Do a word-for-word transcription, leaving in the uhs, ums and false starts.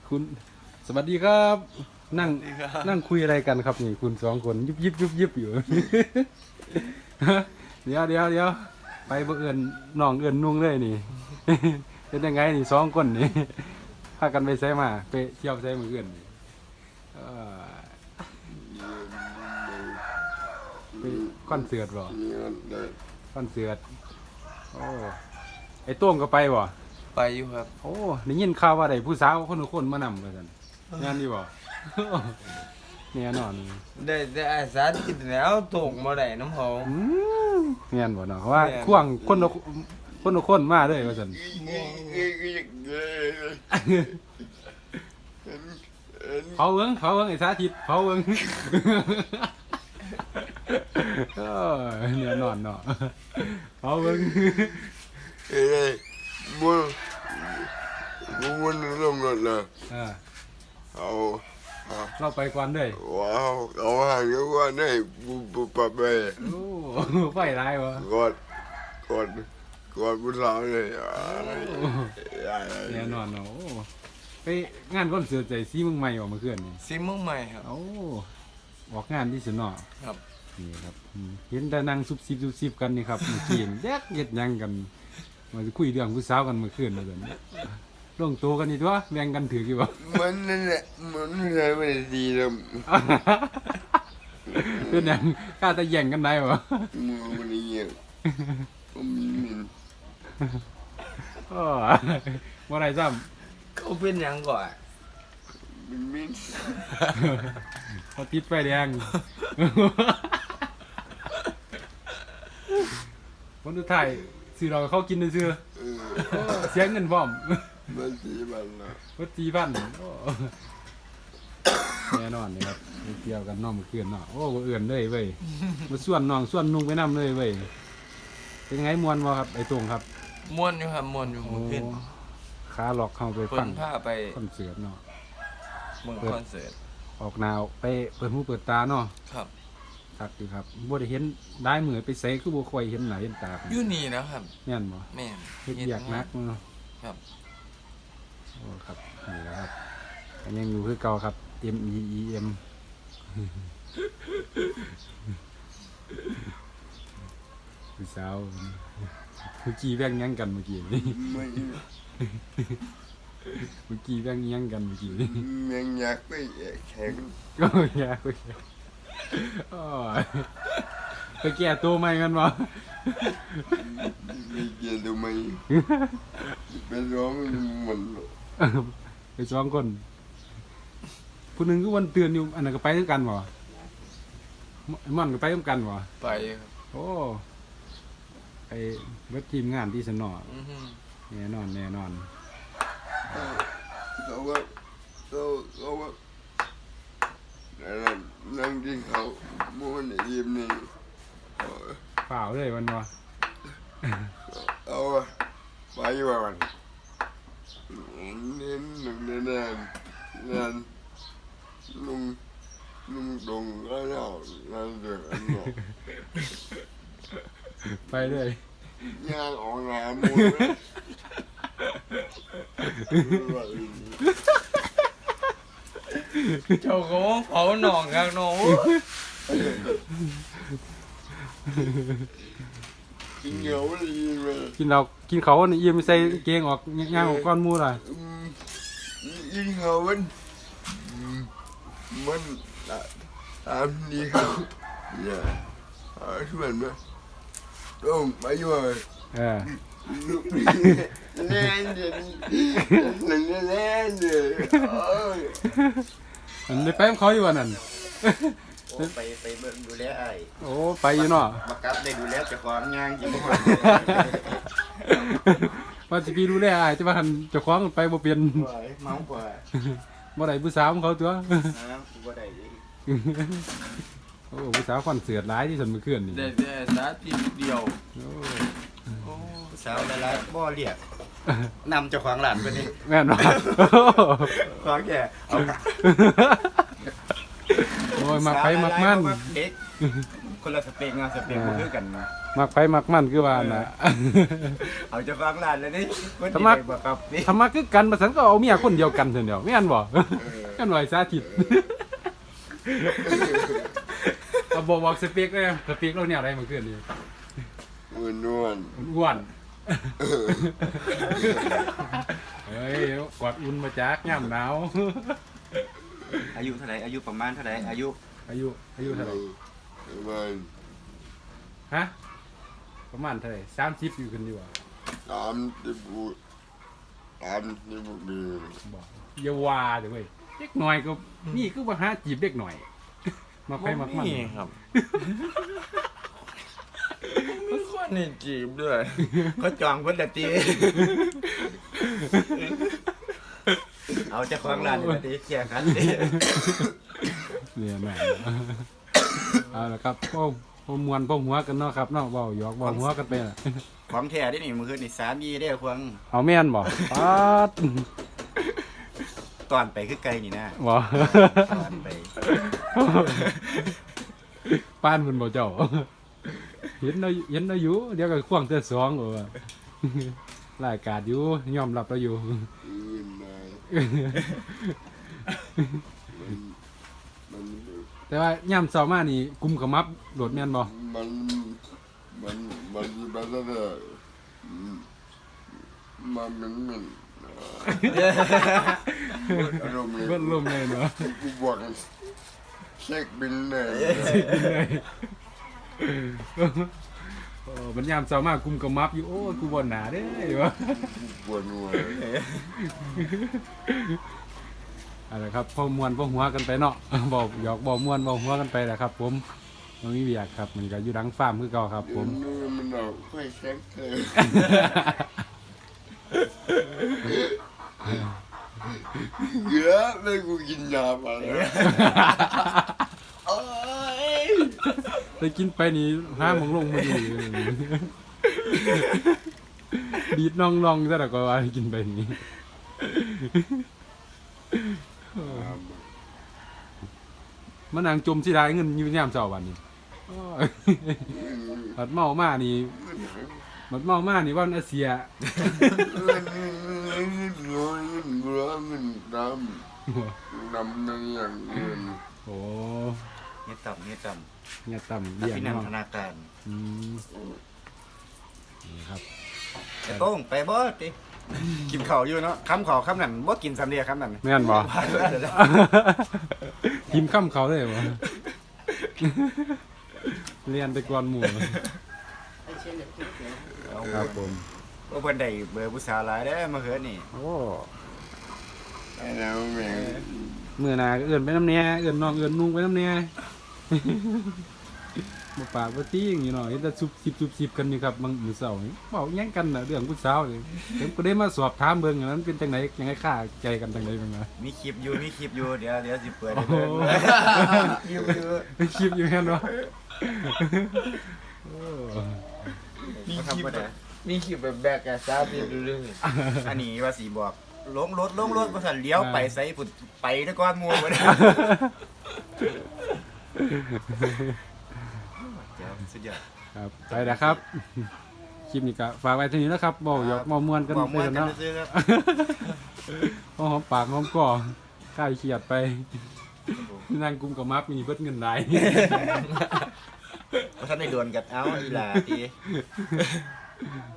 คุณสวัสดีครับนั่งนั่งคุยอะไรกันครับนี่คุณสองคนยิบยิบยิบยิบอยู่ เดี๋ยวเดี๋ยวเดี๋ยวไปบังเอิญน้องเอิญนุ่งเลยนี่ เป็นยังไงนี่สองคนนี่ พากันไปใช้มาไปเที่ยวใช้มือเอิญไปคอนเสิร์ตบ่คอนเสิร์ตโอ้ไอ้โต้งก็ไปบ่ไปอยู่ครับโอ้ได้ยินข่าวว่าได้ผู้สาวคนทุกคนมานำกันซั่นงานดีบ่ แน่นอนได้ได้อาสาติดแล้วตกมาได้น้ำหอมแม่นบ่เนาะเพราะว่าข่วงคนละคนทุกคนมาเลยว่าซั่นเผาเบิ่งเผาเบิ่งไอ้สาธิตเผาเบิ่งเออแน่นอนเนาะเผาเบิ่งเอ้ยบุญบุญลงรถเลยเอาเราไปก่อนด้วยว้าวเอาห่างเยอะกว่าได้บุบปับไปโอ้ไฟไรวะกอดกอดกอดผู้สาวเลยแน่นอนเนาะไปงานคอนเสิร์ตใจซีเมืองใหม่ออกมาเคลื่อนนี่ซีเมืองใหม่ครับโอ้ออกงานที่สนอครับนี่ครับเห็นแต่นั่งซุบซิบซุบซิบกันนี่ครับเมื่อกี้แยกเย็ดยังกันมาคุยเรื่องผู้สาวกันเมื่อคืนมาเลยลงตัวกันนี่ตัวแบ่งกันถือกี่บ่มันนั่นแหละมันใช่ไม่ดีเลยเป็นอย่างกล้าจะแย่งกันได้บ่มือมันเงี้ยโอ้บ่ได้ซ้ำเขาเป็นยังก่อนมันมินเขาติดไฟแดงคนสุดท้ายซื้อเราเขากินซื้อเสียเงินพร้อมมันจีบันนะวัดจีบันแน่นอนนี่ครับเกี่ยวกันน้องมาเกือนเนาะโอ้เอื่อนเลยเว้ยมาส่วนน้องส่วนนุ่งไปน้ำเลยเว้ยเป็นไงมวนวะครับไอ้ตรงครับมวนอยู่ครับมวนอยู่มือขึ้นขาหลอกเข้าไปฟังผ้าไปคอนเสิร์ตเนาะเมืองคอนเสิร์ตออกแนวไปเปิดหูเปิดตาเนาะครับครับดีครับบ่ได้เห็นได้เหมือนไปเสกคือบ่ค่อยเห็นหน้าเห็นตาอยู่นี่นะครับแม่นบ่แม่นเฮ็ดอยากนักเนาะครับโอ้ครับนี่แหละครับยังอยู่คือเก่าครับ M E E M ผู้สาวเมื่อกี้แว่งยังกันเมื่อกี้นี่เมื่อกี้แว่งยังกันเมื่อกี้นี่ยังอยากไปแข่งก็อยากไปไปแก้ตัวใหม่กันวะไปแก้ตัวใหม่ไปร้องมันไปสองคนผู้หนึ่งก็วันเตือนอยู่อันนั้นก็ไปด้วยกันวะมันก็ไปด้วยกันวะไปโอ้ไอ้เว็บทีมงานที่สนอแน่นอนแน่นอนเขาว่าเขาเขาว่านั่งกินเขาม้วนยิ้มนี่เปล่าเลยวันวะเอาไปวันเน้นหนึ่งเน้นแน่นแน่นลุงลุงตรงก็แล้วนั่นเดือดไปเลยย่างออกงานมูเจ้าของเผาหนองกันหนูกินเหนียวเลยกินเรากินเขาเนี่ยยิ้มใส่เกงออกย่างออกก้อนมูเลยกินเขามันมันตามดีครับเนี่ยช่วยมั้ยต้องไปอยู่เลยเออเล่นเล่นเล่นเล่นเลยมันได้ไปกับเขาอยู่วันนั้นโอ้ไปไปเบิ่งดูแลไอ้โอ้ไปอยู่เนาะมากับได้ดูแลเจ้าของงานอยู่บ่ว่าสิพี่ดูแลไอ้จะมาหันเจ้าของไปบ่เปลี่ยนเมาบ่บ่ได้ผู้สาวของเขาตัวนะบ่ได้โอ้ผู้สาวคอนเสิร์ตหลายที่สุดเมื่อคืนนี่ได้แต่สาธิตเดียวโอ้สาวหลายๆบ่เรียกนำเจ้าของร้านไปนี่แม่นบ่ของแกเอาโอ้ยมักไปมักมันเด็กคนละสเปกเนาะสเปกบ่คือกันนะมักไปมักมันคือว่าน่ะเอาเจะฟังร้านเลยนี่คนสที่มัครได้บ่ครับนี่ทำมาคือกันมาสันก็เอาเมียคนเดียวกันเถอะเดียวไม่อันบ่ กันหน่อยสาธิตเอาบอกบอกสเปกเลยสเปกเราเนี่ยอะไรมาเกินนี่อ้วนอ้วนอ้วนเฮ้ยกอดอุ่นมาจากย่ำหนาวอายุเท่าไหร่อายุประมาณเท่าไหร่อายุอายุอายุเท่าไหร่ประมาณฮะประมาณเท่าไหร่สามสิบอยู่กันอยู่อ่ะสามสิบบุสามสิบบุปีบอกอย่าว่าเดี๋ยวเว้ยเด็กหน่อยก็นี่คือว่าหาจีบเด็กหน่อย มาไปมักมันนี่ครับไม่ควรนี่จีบด้วยเขาจองเพิ่นละตีเอาเจ้าของร้านนี่ละตีแจกกันติเนี่ยแม่เอาละครับพ่อพ่อมวนพ่อหัวกันเนาะครับเนาะเบาหยอกเบาหัวกันไปน่ะของแท้ที่นี่มื้อคืนนี่สามีเด้อควงเอาแม่นบ่ป๊าดตอนไปคือไกลนี่นะบ่ตอนไปป้านมันบ่เจ้า เห็นเราเห็นเราอยู่เดี๋ยวก็ควงเตือสองเออ รายการอยู่ยอมรับเราอยู่อื่นมามันมันแต่ว่าย่ำเช้ามานี่กุมขมับโดดแม่นบ่มันมันมันมันจะได้มันมันมันอารมณ์เลยเบิ่นลมเลยเนาะกูบอกเช็คบินเลยกินเลยเออมันย่ำเช้ามากุมขมับอยู่โอ้ยกูบ่หนาเด้อวะปวดหัวเอาละครับพ่อมวนพ่อหัวกันไปเนาะ บอกหยอกบอกมวนบอกหัวกันไปแหละครับ ผมมันมีเบียกครับมันก็อยู่ดังฟาร์มคือเก่าครับ ผมนูมันเอาค่อยเช็คเลยเยอะเลยกูกินยาไปแล้วไปกินไปนี่ห้าโมงลงมาดีดีดน้องๆซะแล้วก็ว่ากินไปนี่มันนางจมสิได้เงินอยู่ยามเช้าวันนี้บัดเมามานี่บัดเมามานี่ว่ามันอาเซียเงินเงินเงินร้อยเงินร้อยเงินดำดำนั่นอย่างเงินโอ้เฮ็ดต่ำเฮ็ดต่เนี่ยต่ำำเบี้ยพี่นันเนาะธนาการอืมนี่ครับไอ้โต้งไปบ่ติกินข้าวอยู่เนาะคำข้าวคำนั้นบ่กินสำเร็จคำนั้นแม่นบ่ ทีมข้ามเขาได้บ่เรียนไปก่อนหมู่ครับผมว่าเพิ่นได้เบอร์ผู้สาวหลายเด้อมาเฮือนี่โอ้ไอ้แล้วแม่งมื้อหน้าก็เอื้อนไปน้ำแหน่เอื้อนน้องเอื้อนนุ่งไปน้ำแหน่ บ่ปากบ่ตี้อย่างนี้เนาะเห็นแต่ซุบซิบซุบซิบกันอยู่ครับบางมื้อเช้านี่เว้าหยังกันน่ะเรื่องผู้สาวนี่ผมก็ได้มาสอบถามเบิ่งอันนั้นเป็นจังไดยังไงค่าใจกันจังไดบ้างนะมีคลิปอยู่มีคลิปอยู่เดี๋ยวเดี๋ยวสิเปิดให้โอ้เบิ่งคลิปอยู่แม่นบ่โอ้มีคลิปบ่ธรรมดามีคลิปแบบแบกอะซาบิดูเรื่องอันนี้ว่าสิบอกลงรถลงรถบ่ทันเลี้ยวไปไสพุ่นไปแตะก่อนหมู่บ่ได้เดี๋ยวสุดยอดครับไปแล้วครับ คลิปนี้ก็ฝากไว้เท่านี้นะครับเว้าหยอกเว้าม่วนกันบอกไปม่วนกันกันเนาะซื่อๆครับพอหอมปากหอมคอคลายเครียดไปนั่งกุมกับมัฟมีเบิดเงินหลายบ่ทันได้โดนกันเอาอีหล่าติ